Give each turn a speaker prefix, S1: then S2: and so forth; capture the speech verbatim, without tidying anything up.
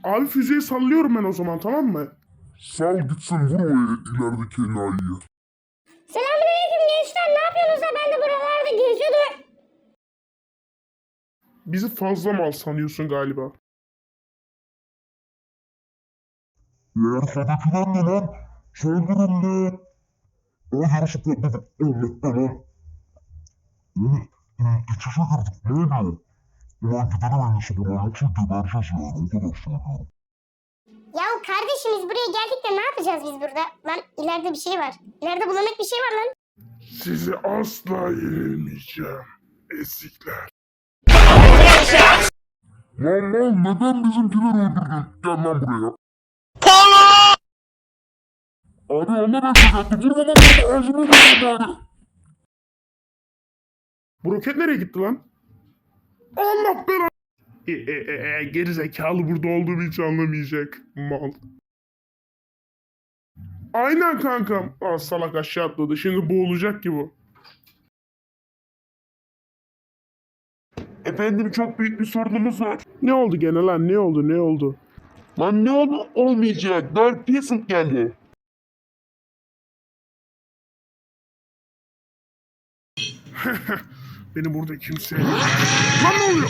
S1: Abi füzeyi sallıyorum ben o zaman, tamam mı?
S2: Sal gitsin, vur o ilerideki enayiyi.
S3: Selamünaleyküm gençler, ne yapıyorsunuz da ben de buralarda geziyordum.
S1: Bizi fazla mal sanıyorsun galiba.
S2: Ya arkadakiler ne lan? Saldırın lan. O yarışı patladı. Allah Allah. Oğlum, iç içe girdik. Ne oluyor? Ulan gidelim en iyisi buradan, yoksa gebereceğiz yani. O kadar söylüyorum.
S3: Ya kardeşimiz buraya geldik de ne yapacağız biz burada? Lan ileride bir şey var. İleride bulanık bir şey var lan.
S1: Sizi asla yenilmeyeceğim. Ezikler.
S2: Lan lan, neden bizimkileri öldürdün? Gel lan buraya. Abi Allah bekleyecekti. Vurma lan, vurma. Ağzını vurma bari.
S1: Bu roket nereye gitti lan? Allah belanı. E, e, e, e, geri zekalı burada olduğumu hiç anlamayacak. Mal. Aynen kankam. Aa, salak aşağı atladı. Şimdi boğulacak ki bu.
S2: Efendim, çok büyük bir sorunumuz var.
S1: Ne oldu gene lan? Ne oldu? Ne oldu?
S2: Lan ne oldu? Olmayacak. Dark Peasant geldi.
S1: Beni burada kimse... Lan ne oluyor?